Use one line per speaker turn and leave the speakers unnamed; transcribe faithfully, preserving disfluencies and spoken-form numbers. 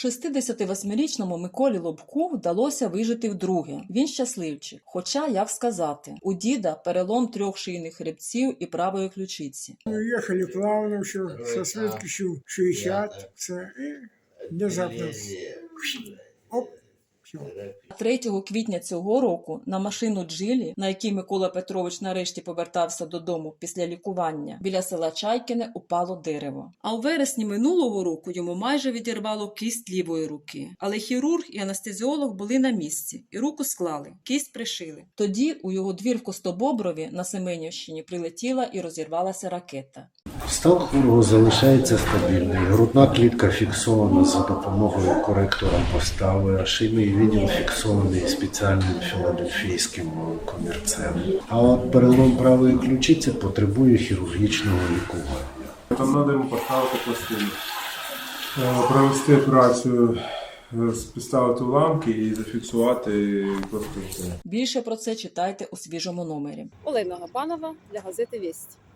шістдесятивосьмирічному Миколі Лобку вдалося вижити вдруге. Він щасливчик. Хоча, як сказати, у діда перелом трьох шийних хребців і правої ключиці.
Їхали плавно, все, со швидкістю шістдесят, це, і внезапно, оп, все.
третього квітня цього року на машину Джилі, на якій Микола Петрович нарешті повертався додому після лікування, біля села Чайкине упало дерево. А у вересні минулого року йому майже відірвало кість лівої руки. Але хірург і анестезіолог були на місці і руку склали, кість пришили. Тоді у його двір в Костобоброві на Семенівщині прилетіла і розірвалася ракета.
Стан хворого залишається стабільний. Грудна клітка фіксована за допомогою коректора постави, а шийний відділ фіксований спеціальним філадельфійським комірцем. А от перелом правої ключиці потребує хірургічного лікування.
Там треба йому поставити пластину, провести операцію, поставити уламки і зафіксувати пластину.
Більше про це читайте у свіжому номері.
Олена Габанова для газети «Вість».